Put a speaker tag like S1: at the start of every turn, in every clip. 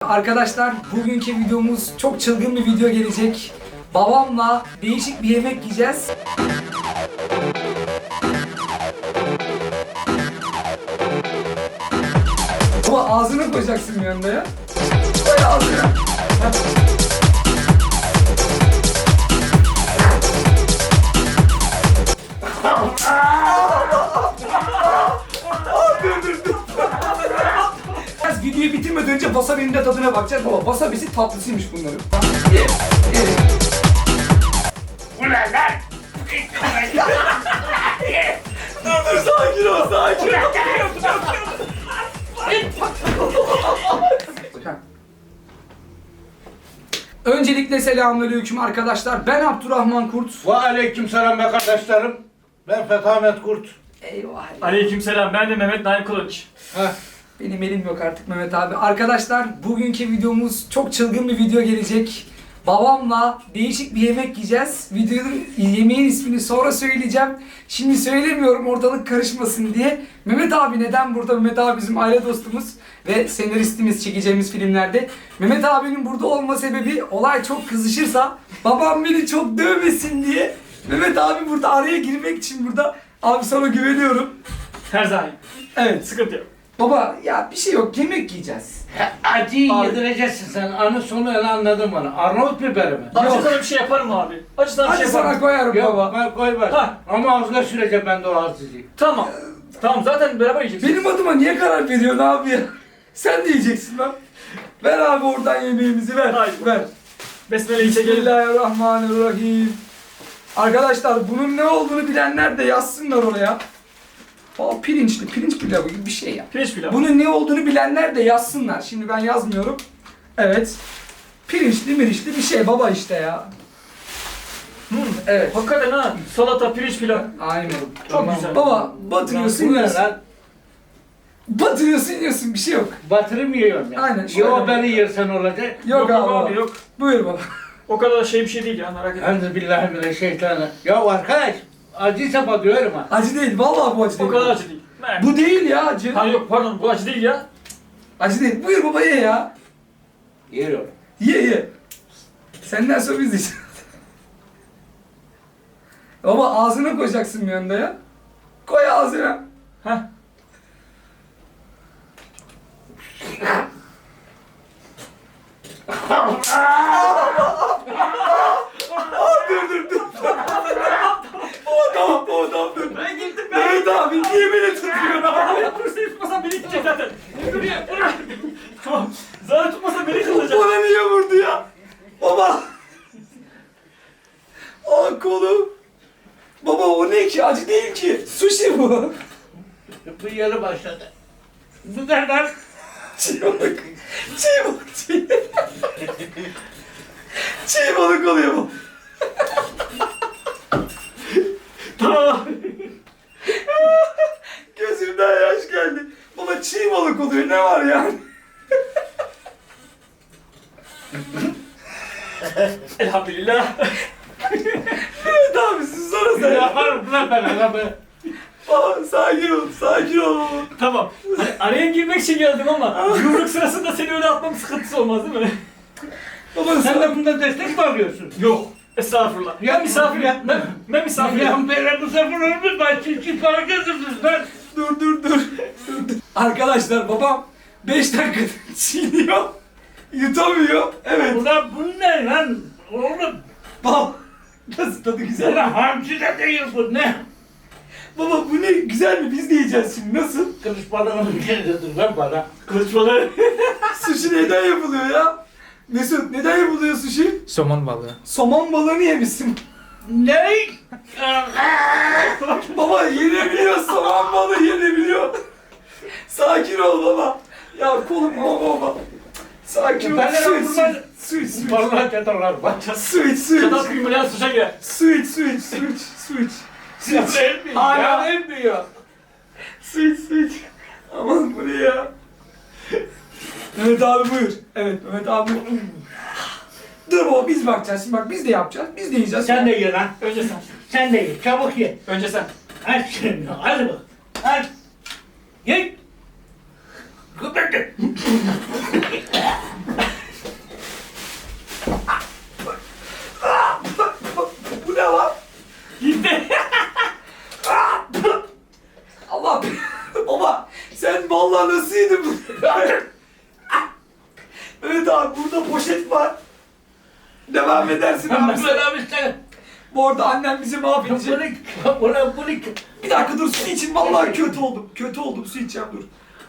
S1: Arkadaşlar bugünkü videomuz çok çılgın bir video gelecek. Babamla değişik bir yemek yiyeceğiz. Ama ağzına koyacaksın yanında ya. Böyle ağzına. Biraz videoyu bitirmeden önce wasabi'nin de tadına bakacağız. Baba wasabisi tatlısıymış bunların. Ye, ye.
S2: Ulan lan!
S1: Dur sakin ol, sakin ol. Öncelikle selamünaleyküm arkadaşlar. Ben Abdurrahman Kurt.
S2: Ve aleykümselam be kardeşlerim. Ben Fethamet Kurt.
S1: Eyvah.
S3: Aleykümselam. Ben de Mehmet Naim Kılıç.
S2: Heh.
S1: Benim elim yok artık Mehmet abi. Arkadaşlar bugünkü videomuz çok çılgın bir video gelecek. Babamla değişik bir yemek yiyeceğiz. Videonun yemeğin ismini sonra söyleyeceğim. Şimdi söylemiyorum ortalık karışmasın diye. Mehmet abi neden burada? Mehmet abi bizim aile dostumuz ve senaristimiz çekeceğimiz filmlerde. Mehmet abinin burada olma sebebi olay çok kızışırsa babam beni çok dövmesin diye. Mehmet abi burada araya girmek için burada. Abi sana güveniyorum.
S3: Her zaman.
S1: Evet.
S3: Sıkıntı yok.
S1: Baba ya bir şey yok, yemek yiyeceğiz.
S2: Acıyı
S3: Abi.
S2: yedireceksin sen. Anı sonu öyle anladın bana. Arnavut biberi mi?
S3: Acı sana bir şey yaparım abi. Acı sana bir
S1: Hadi
S3: şey
S1: sana
S3: yaparım.
S1: koyarım
S2: Yok
S1: baba.
S2: ben koy ver.
S3: Ha.
S2: Ama ağzına süreceğim ben de o acıyı.
S3: Tamam. Tamam zaten beraber yiyeceğiz.
S1: Benim adıma niye karar veriyorsun abi ya? Sen de yiyeceksin lan. Ver abi oradan yemeğimizi ver.
S3: Haydi.
S1: Ver.
S3: Besmele'yi çekelim.
S1: Bismillahirrahmanirrahim. Arkadaşlar bunun ne olduğunu bilenler de yazsınlar oraya. Aa, pirinç pilavı gibi bir şey ya.
S3: Pirinç pilavı.
S1: Bunun ne olduğunu bilenler de yazsınlar. Şimdi ben yazmıyorum. Evet. Pirinçli bir şey baba işte ya. Evet.
S3: Hakikaten ha. Salata, pirinç pilav.
S1: Aynen.
S3: Çok güzel.
S1: Baba batırıyorsun
S2: Bu ne
S1: yiyorsun.
S2: lan?
S1: Batırıyorsun yiyorsun bir şey yok.
S2: Batırım yiyorum ya.
S1: Aynen, şöyle.
S2: Yo beni yersen olacak.
S1: Yok abi.
S3: abi yok.
S1: Buyur baba.
S3: O kadar şey bir şey değil ya merak etme.
S2: Enzibillahimineşşeytanirracim. Ya arkadaş acıysa batıyorum ha.
S1: Acı değil. Vallahi bu acı
S3: O
S1: değil.
S3: kadar acı değil. Merak
S1: Bu değil ya acı.
S3: Ha yok pardon bu acı değil ya.
S1: Acı değil. Buyur baba ye ya.
S2: Yiyorum.
S1: Ye. Senden sonra biz yiyeceğiz. Baba ağzına koyacaksın bir anda ya. Koy ağzına.
S3: Heh.
S1: Dur. Baba tamam dur.
S3: Ben gittim
S1: Evet abi niye beni tutuyorsun abi?
S3: Dur seni tutmasam beni gidecek zaten. Dur ya. Tamam. Zaten tutmasa beni kılacak.
S1: Bana niye vurdu ya? Baba. Aa kolum. Baba o ne ki? Acı değil ki. Sushi bu.
S2: Bu yeri başladı. Bu kadar.
S1: Çiğ balık. Çiğ balık oluyor bu.
S3: Tamam.
S1: Gözümden yaş geldi. Baba çiğ balık oluyor. Ne var yani?
S3: Elhamdülillah.
S1: Evet abi siz sonra sen.
S2: Yaparım lan ben adamı.
S1: Baba sakin ol baba.
S3: Tamam. Hani araya girmek için geldim ama yumruk sırasında seni öyle atmam sıkıntısı olmaz değil mi?
S1: Baba
S2: Sen de bunda destek mi alıyorsun?
S3: Yok. Estağfurullah. Ben misafirim.
S2: Ya-
S3: Ben misafirim.
S2: Ya böyle bu sefer olmuş ben çiftçi para kazanırız lan.
S1: Dur. Arkadaşlar babam 5 dakika çiğniyor. Yutamıyor. Evet.
S2: Ulan bu ne lan? Oğlum.
S1: Baba nasıl tadı güzel?
S2: Ulan hamsi de değil bu ne?
S1: Baba bu ne güzel mi? Biz de yiyeceğiz şimdi. Nasıl?
S2: Kılıç balığının kendisidir lan bana.
S3: Kılıç balığı.
S1: Sushi neden yapılıyor ya? Mesut neden yapılıyor sushi?
S4: Somon balığı.
S1: Somon balığını yemişsin.
S2: Ne?
S1: Baba yenebiliyor, somon balığı yenebiliyor. Sakin ol baba. Ya kolum baba. Sakin ol.
S2: Ben de
S1: Su iç.
S2: Vallahi çatarlar bak.
S1: Su iç.
S3: Çatal kıymayan suça girer.
S1: Su iç.
S2: Hala emmiyor.
S1: Su iç. Aman bu ne ya? Mehmet abi buyur. Evet Mehmet abi. Dur baba biz bakacağız. Şimdi bak biz de yapacağız. Biz de yiyeceğiz.
S2: Sen de ye lan.
S3: Önce sen.
S2: Sen de ye. Çabuk ye.
S3: Önce sen.
S2: Aç şimdi. Hadi bak. Aç. Ye. Kıpırdın.
S1: Mehmet abi burada poşet var. Devam edersin abi.
S2: Mehmet abi sen.
S1: Bu arada annem bizi mahvedecek.
S2: Bunu
S1: Bir dakika dur, su için vallahi kötü oldum. Kötü oldum, su içeceğim dur.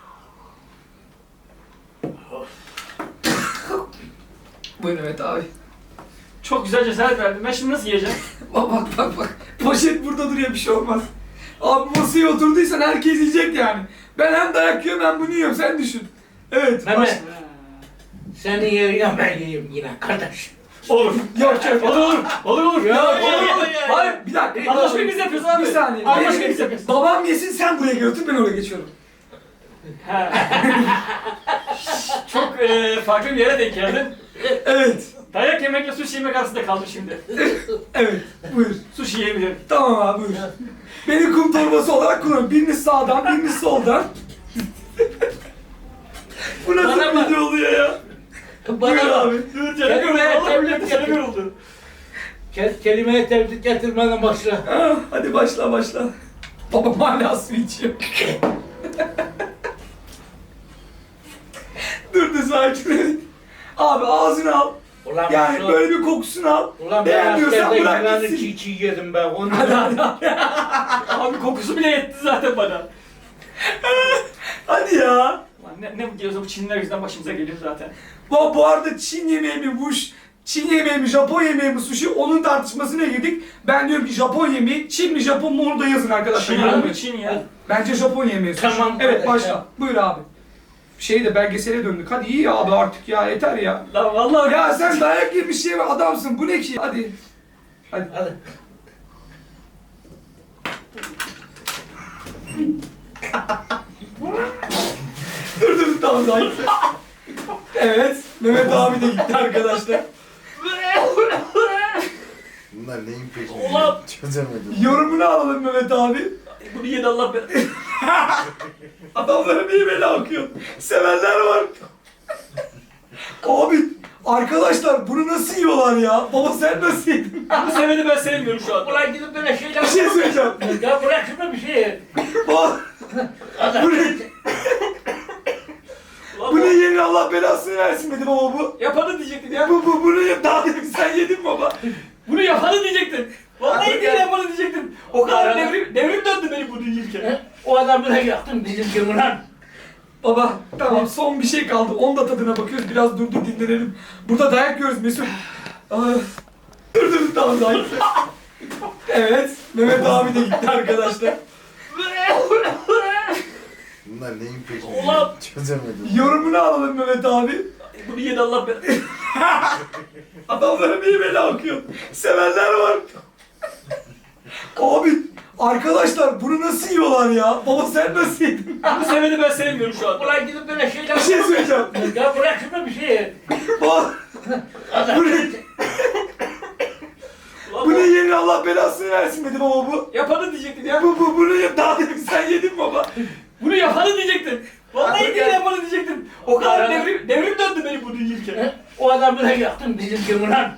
S1: Buyur Mehmet abi.
S3: Çok güzel cesaret verdin. Ben şimdi nasıl yiyeceğim?
S1: Bak. Poşet burada duruyor, bir şey olmaz. Abi masaya oturduysan herkes yiyecek yani. Ben hem dayak yiyorum hem bunu yiyorum, sen düşün. Evet.
S2: Mehmet. Senin yerine ben yiyeyim yine kardeş.
S3: Olur.
S1: Yok yok.
S3: Olur.
S2: Ya,
S3: Olur.
S1: Hayır bir dakika.
S3: Anlaşmayı biz yapıyoruz abi.
S1: Bir saniye.
S3: Anlaşmayı biz yapıyoruz.
S1: Babam yesin, sen buraya götür, ben oraya geçiyorum.
S3: He. Çok farklı bir yere denk geldin.
S1: Evet.
S3: Dayak yemekle sushi yemek arasında kaldım şimdi.
S1: Evet. Buyur.
S3: Sushi yiyebilirim.
S1: Tamam abi buyur. Beni kum torbası olarak kullan. Biriniz sağdan, biriniz soldan. Bu nasıl
S2: Bana
S1: bir
S2: bak.
S1: video oluyor ya? Buyur
S2: Bana
S1: abi.
S3: Dur canım yoruldu. Vallahi billahi canım yoruldu.
S2: Kelimeye tebrik getirmeden başla.
S1: Ha, hadi başla. Babam hala su içiyor. Dur sakin. Abi ağzını al.
S2: Ulan
S1: Yani böyle bir kokusunu al.
S2: Ulan ben
S1: Beğenmiyorsan
S2: askerde
S1: bırak
S2: yılanı
S1: gitsin.
S2: çiğ yedim ben. Onu
S3: Abi kokusu bile yetti zaten bana.
S1: Hadi ya.
S3: Lan ne diyorsa bu Çinliler yüzünden başımıza geliyor zaten.
S1: Bu arada Çin yemeği mi Çin yemeği mi, Japon yemeği mi sushi, onun tartışmasına girdik. Ben diyorum ki Japon yemeği, Çin mi Japon mu onu da yazın arkadaşlar.
S3: Çin
S1: Yorumlara.
S3: abi Çin ya.
S1: Bence Japon yemeği sushi.
S2: Tamam
S1: Evet
S2: kardeş
S1: başla.
S2: ya.
S1: Buyur abi. De belgesele döndük. Hadi iyi abi artık ya, yeter ya.
S3: Lan vallahi
S1: Ya sen dayak yemiş şey adamsın. Bu ne ki? Hadi.
S2: Hadi.
S1: Dur tamam sakin. Evet. Mehmet abi de gitti arkadaşlar.
S4: Bunlar neyin peşinde?
S3: Ulan!
S4: Çözemedim.
S1: Yorumunu alalım Mehmet abi.
S3: bunu yedi Allah be.
S1: Adamlara bir bela akıyor. Sevenler var. Abi arkadaşlar bunu nasıl yiyorlar ya? Baba sen nasıl yedin?
S3: Bu seveni ben sevmiyorum şu anda.
S2: Ulan gidip böyle şeyler...
S1: Bir şey söyleyeceğim.
S2: Ya bırak şunu bir şey.
S1: Baba bu ne?
S3: Ulan
S1: Bu ne yerin Allah belasını versin dedi baba bu.
S3: Yapanı diyecektin ya.
S1: Bunu ye daha dedim sen yedin baba.
S3: Bunu yapanı diyecektin. Vallahi
S2: Abi
S3: değil
S2: ya.
S3: yapanı diyecektin. O kadar
S2: Ara-
S3: devrim döndü benim bunu yiyirken.
S2: O adamı da yaktın bizimki ulan.
S1: Baba tamam son bir şey kaldı. Onun da tadına bakıyoruz. Biraz dur dinlenelim. Burada dayak yiyoruz Mesut. Dur tamam sakin. Evet. Mehmet abi de gitti arkadaşlar.
S4: Bunlar neyin peşinde?
S3: Ulan!
S4: Çözemedim.
S1: Yorumunu alalım Mehmet abi.
S3: Bunu yedi Allah be.
S1: Adamlara bir bela akıyor. Sevenler var. Abi arkadaşlar bunu nasıl yiyorlar ya? Baba sen nasıl yedin?
S3: Bu seveni ben sevmiyorum şu anda.
S2: Ulan gidip böyle şeyler...
S1: Bir şey söyleyeceğim.
S2: Ya bırak şunu bir şey.
S1: Baba bu ne?
S3: Ulan
S1: Bu ne yerin Allah belasını versin dedi baba bu.
S3: Yapanı diyecektin ya.
S1: Bunu ye daha dedim sen yedin baba.
S3: Bunu yapanı diyecektin. Vallahi
S2: Abi
S3: değil
S2: ya.
S3: yapanı diyecektin. O kadar
S2: Ara-
S3: devrim döndü benim bunu yiyirken.
S2: O adamı da yaktın bizimki ulan.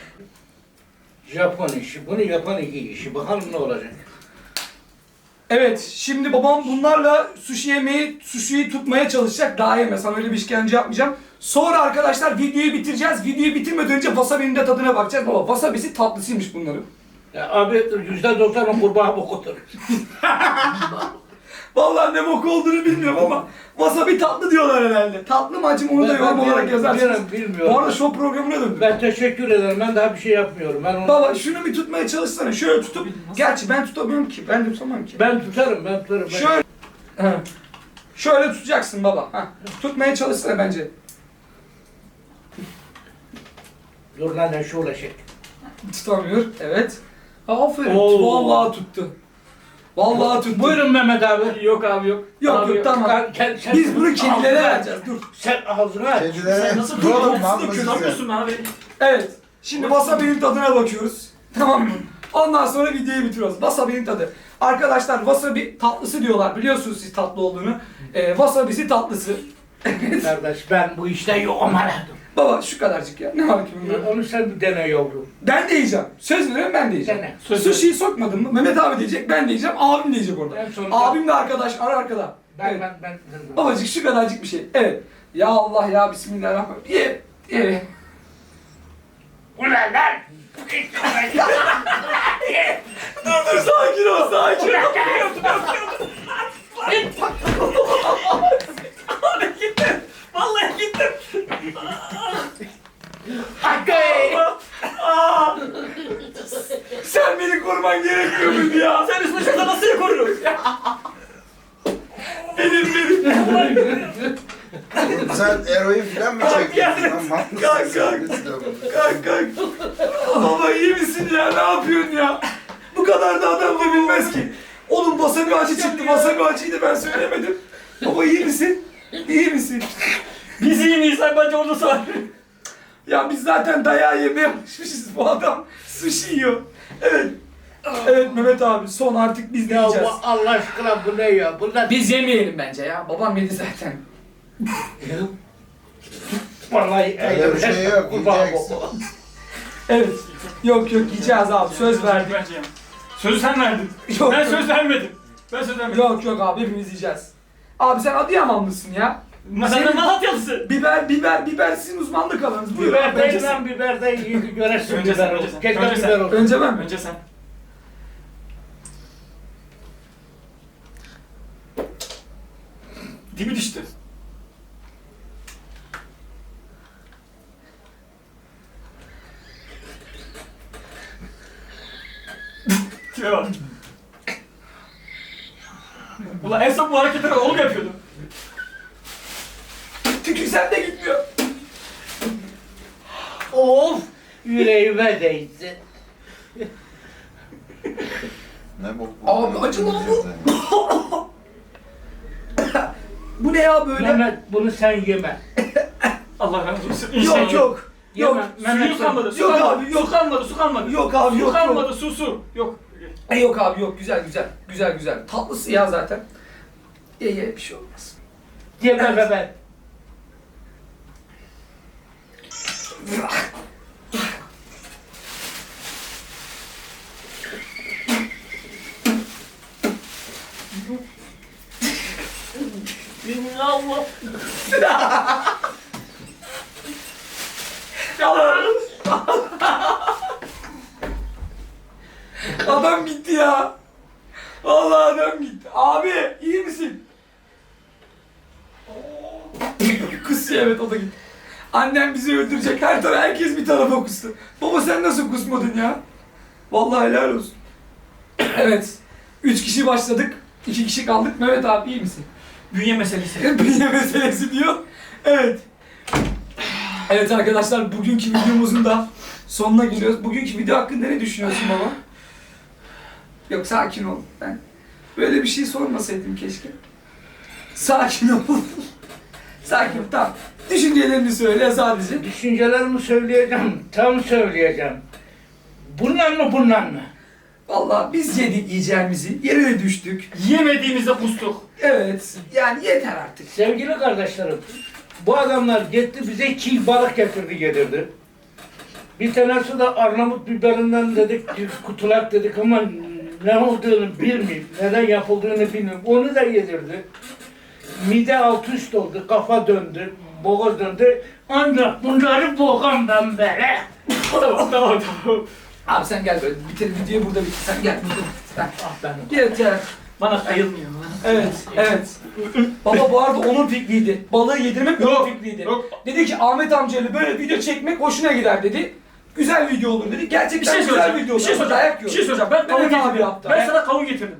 S2: Japon işi, bunu yapan iki işi. Bakalım ne olacak.
S1: Evet, şimdi babam bunlarla sushi'yi tutmaya çalışacak. Daha yeme, sana öyle bir işkence yapmayacağım. Sonra arkadaşlar videoyu bitireceğiz. Videoyu bitirmeden önce wasabi'nin de tadına bakacağız. Baba wasabi'si tatlısıymış bunların.
S2: Ya abi %90 kurbağa bokudur.
S1: Vallahi ne bok olduğunu bilmiyorum ama wasabi tatlı diyorlar herhalde. Tatlı mı acı mı onu da yorum olarak yazarsınız.
S2: Bilmiyorum.
S1: Bu arada show programına döndüm.
S2: Ben teşekkür ederim. Ben daha bir şey yapmıyorum. Ben onu...
S1: Baba şunu bir tutmaya çalışsana. Şöyle tutup. Gerçi ben tutamıyorum ki. Ben de tutamam ki.
S2: Ben tutarım.
S1: Şöyle. He. Şöyle tutacaksın baba. Heh. Tutmaya çalışsana bence.
S2: Dur lan ne şu ulaşık.
S1: Tutamıyor. Evet. Aferin.
S3: Oo.
S1: Vallahi tuttu. Vallahi tuttu.
S2: Buyurun Mehmet abi.
S3: Yok abi yok.
S1: Yok
S3: Abi
S1: yok tamam.
S2: Sen
S1: Biz bunu kedilere
S2: ağzına-
S1: vereceğiz. Dur.
S2: Sen ağzını aç.
S4: Kedilere
S3: Sen nasıl
S4: duralım
S3: durdun?
S4: lan
S3: Nasıl
S4: bu
S3: durdun?
S4: size.
S3: abi?
S1: Evet. Şimdi wasabi'nin tadına bakıyoruz. Tamam mı? Ondan sonra videoyu bitiriyoruz. Wasabi'nin tadı. Arkadaşlar wasabi tatlısı diyorlar. Biliyorsunuz siz tatlı olduğunu. Wasabi'si tatlısı.
S2: Kardeş ben bu işte yokum aradım.
S1: Baba şu kadarcık ya. Ne var ki bunda?
S2: Onu sen bir dene yavrum.
S1: Ben de yiyeceğim. Söz veriyorum ben de yiyeceğim.
S2: Dene.
S3: Söz
S1: Sushi'yi sokmadın mı? Mehmet abi diyecek, ben de yiyeceğim, abim diyecek orada.
S2: En sonunda-
S1: Abim de arkadaş, arkada.
S2: Ben
S1: Evet.
S2: ben.
S1: Babacık şu kadarcık bir şey. Evet. Ya Allah ya Bismillahirrahmanirrahim. Ye. Evet.
S2: Ulan lan!
S1: Dur sakin ol sakin ol.
S3: Abi gittim. Vallahi gittim.
S2: Hakkı!
S1: Sen beni koruman gerekmiyor muydu ya?
S3: Sen üstüne şurada nasıl korurum?
S4: Sen eroin falan mı çekiyorsun lan? Mantıksın
S1: Kalk,
S4: sen.
S1: Kalk kalk. Baba iyi misin ya? Ne yapıyorsun ya? Bu kadar da adam da bilmez ki. Oğlum wasabi acı çıktı. Wasabi acıydı ben söylemedim. Baba iyi misin? İyi misin?
S3: Biz iyi miyiz? Sen bence orada sor.
S1: Ya biz zaten dayağı yemeye alışmışız. Bu adam sushi yiyor. Evet. Evet Mehmet abi son artık biz de
S2: Ya
S1: yiyeceğiz.
S2: Allah aşkına bu ne ya? Bunlar...
S1: Biz yemeyelim bence ya. Babam yedi zaten.
S2: Vallahi
S4: Öyle bir şey yok,
S2: Kurban
S4: yiyeceksin.
S2: baba.
S1: Evet. Yok yiyeceğiz abi. Söz verdik.
S3: Bence ya. Sözü sen verdin.
S1: Yok,
S3: Ben
S1: yok.
S3: söz vermedim. Ben söz vermedim.
S1: Yok abi hepimiz yiyeceğiz. Abi sen Adıyamanlısın ya.
S3: Sen de Malatyalısı.
S1: Biber sizin uzmanlık alanınız. Buyur abi,
S2: Biber
S1: önce
S2: değil
S1: sen.
S2: lan biber değil. Göresin
S3: Önce sen,
S2: biber
S3: önce
S2: olsun.
S3: sen.
S2: Keşke
S3: Önce sen.
S2: biber olsun.
S1: Önce ben mi?
S3: Önce sen. Dibi düştü. Tipe bak. Ulan en son bu hareketleri oğlum yapıyordu.
S1: Tükürsem de gitmiyor.
S2: Of! Yüreğime değdi.
S4: Ne bok?
S1: Abi, acı lan bu. Bu ne ya böyle?
S2: Mehmet bunu sen yeme.
S3: Allah razı olsun.
S1: Yok
S3: İnşallah.
S1: yok. Yok.
S2: Yeme. Mehmet
S3: Suyu
S2: sen-
S3: kalmadı. Su
S1: Yok
S3: kalmadı.
S1: abi, yok.
S3: Su kalmadı. Su kalmadı.
S1: Yok abi
S3: Su
S1: yok.
S3: kalmadı. Su. Yok.
S1: Yok abi yok. Güzel güzel. Güzel güzel. Tatlısı ya zaten. Ye bir şey olmaz.
S2: Yeme Mehmet. Allah.
S1: Adam gitti ya. Vallahi adam gitti. Abi iyi misin? Kusuyor evet o da gitti. Annem bizi öldürecek. Her taraf herkes bir tarafa kustu. Baba sen nasıl kusmadın ya? Vallahi helal olsun. Evet. 3 kişi başladık. 2 kişi kaldık. Mehmet abi iyi misin?
S3: Bünye meselesi.
S1: Bünye meselesi diyor. Evet. Evet arkadaşlar bugünkü videomuzun da sonuna geliyoruz. Bugünkü video hakkında ne düşünüyorsun baba? Yok sakin ol. Ben böyle bir şey sormasaydım keşke. Sakin ol. Sakin ol tamam. Düşüncelerini söyle sadece.
S2: Düşüncelerimi söyleyeceğim. Tam söyleyeceğim. Bundan mı bundan mı?
S1: Vallahi biz yedik yiyeceğimizi. Yere düştük.
S3: Yemediğimizde kustuk.
S1: Evet. Yani yeter artık.
S2: Sevgili kardeşlerim, bu adamlar gitti bize çiğ balık getirdi gelirdi. Bir tanesi de Arnavut biberinden dedik, kutulak dedik ama ne olduğunu bilmiyorum, neden yapıldığını bilmiyorum. Onu da yedirdi. Mide alt üst oldu, kafa döndü, boğaz döndü. Ancak bunları boğamdan beri.
S3: Tamam.
S1: Abi sen gel böyle bitirelim videoyu burada bitir. Sen gel burada bitir. Sen.
S3: Ah ben.
S1: Gel.
S3: Bana kayılmıyor.
S1: Evet. Baba bu arada onun fikriydi. Balığı yedirmek onun
S3: Yok,
S1: fikriydi.
S3: yok.
S1: Dedi ki Ahmet amcayla böyle video çekmek hoşuna gider dedi. Güzel video olur dedi.
S3: Bir
S1: Gerçekten
S3: şey
S1: güzel
S3: soracağım.
S1: video
S3: Bir şey
S1: olur.
S3: soracağım. Bir şey soracağım. Ben
S1: Kavun
S3: kavun
S1: abi
S3: getirdim.
S1: yaptı.
S3: Ben sana kavun getirdim.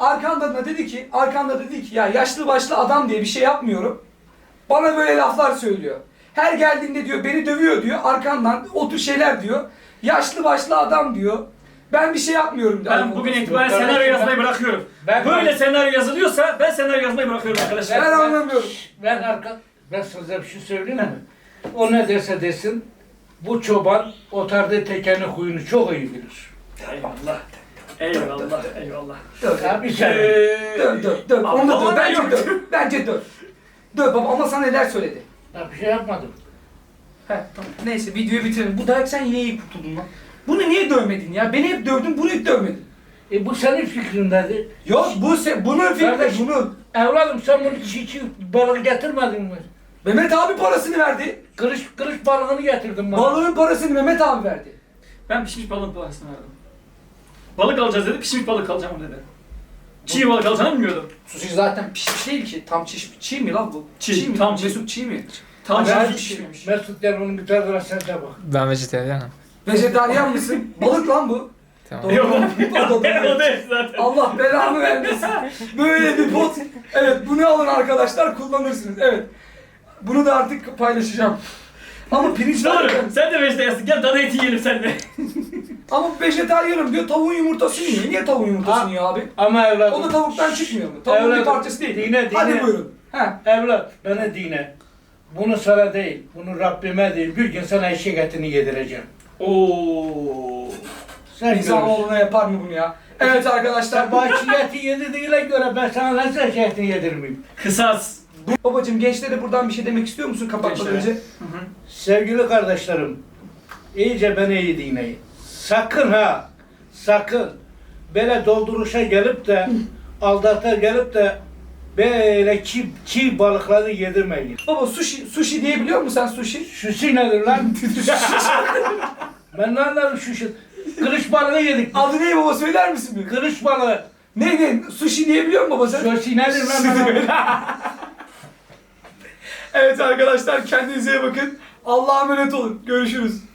S1: Arkanda dedi ki ya yaşlı başlı adam diye bir şey yapmıyorum. Bana böyle laflar söylüyor. Her geldiğinde diyor beni dövüyor diyor. Arkandan o tür şeyler diyor. Yaşlı başlı adam diyor. Ben bir şey yapmıyorum diyor.
S3: Ben bugün itibaren senaryo yazmayı bırakıyorum. Böyle senaryo yazılıyorsa ben senaryo yazmayı bırakıyorum arkadaşlar.
S1: Ben anlamıyorum.
S2: Ben size bir şey söyleyeyim mi? O ne derse desin, bu çoban otarda tekeni huyunu çok iyi bilir.
S3: Eyvallah. Eyvallah.
S2: Tabii sen.
S1: Döv. Onu da döv.
S3: Ama ben
S1: Bence
S3: yok.
S1: döv. Bence döv. Döv baba ama sana neler söyledi.
S2: Ben bir şey yapmadım.
S1: He tamam. Neyse videoyu bitirelim. Bu dayak sen yine iyi kurtuldun lan. Bunu niye dövmedin ya? Beni hep dövdün, bunu hiç dövmedin.
S2: Bu senin fikrin dedi.
S1: Yok bunun fikri
S2: Kardeş.
S1: bunun.
S2: Evladım sen bunu çiğ balık getirmedin mi?
S1: Mehmet abi parasını verdi.
S2: Kırış balığını getirdim bana.
S1: Balığın parasını Mehmet abi verdi.
S3: Ben pişmiş balığın parasını verdim. Balık alacağız dedi, pişmiş balık alacağım dedi. Çiğ balık alacağını bilmiyordum.
S1: Sushi zaten pişmiş değil ki. Tam çiğ mi lan bu?
S3: Çiğ,
S1: mi?
S3: tam çiğ.
S1: Mesut çiğ mi?
S3: Tam
S1: Acayip
S3: çiğ
S1: pişmiş.
S3: pişmemiş.
S2: Mesut gel bunun bir tadına sen de bak.
S5: Ben vejetaryenim.
S1: Vejetaryen mısın? Balık lan bu.
S5: Tamam.
S3: Yok,
S1: O da
S3: o değil zaten.
S1: Allah belanı vermesin. Böyle bir bot. Evet bunu alın arkadaşlar kullanırsınız. Evet. Bunu da artık paylaşacağım. Ama pirinç var
S3: Doğru,
S1: ya.
S3: sen de vejetaryensin. Gel dana eti yiyelim sen de.
S1: Ama vejetaryenim diyor tavuğun yumurtasını yiyor. Niye tavuğun yumurtasını yiyor abi?
S2: Ama evladım.
S1: O da tavuktan çıkmıyor mu? Tavuğun bir
S2: Evladım,
S1: parçası değil.
S2: dine.
S1: Hadi buyurun. He.
S2: Evlat bana dine. Bunu sana değil, bunu Rabbime değil. Bir gün sana eşek etini yedireceğim.
S3: Oo.
S2: Sen görürsün.
S1: İnsanoğluna yapar mı bunu ya? Evet arkadaşlar.
S2: Sen bana eşek eti yedirdiğine göre ben sana nasıl eşek etini yedirmeyeyim?
S3: Kısas.
S1: Babacım gençlere buradan bir şey demek istiyor musun kapatmadan
S3: Gençlere.
S1: önce?
S2: Sevgili kardeşlerim, iyice beni iyi dinleyin. Sakın ha, sakın böyle dolduruşa gelip de, aldata gelip de böyle çiğ balıkları yedirmeyin.
S1: Baba sushi diyebiliyor musun sen sushi?
S2: Şusi nedir lan? Ben ne anlarım şusi? Kılıç balığı yedik.
S1: Adı ne baba söyler misin bir?
S2: Kılıç balığı.
S1: Ne? Sushi diyebiliyor musun baba sen?
S2: Şusi nedir lan?
S1: Evet arkadaşlar kendinize iyi bakın. Allah'a emanet olun. Görüşürüz.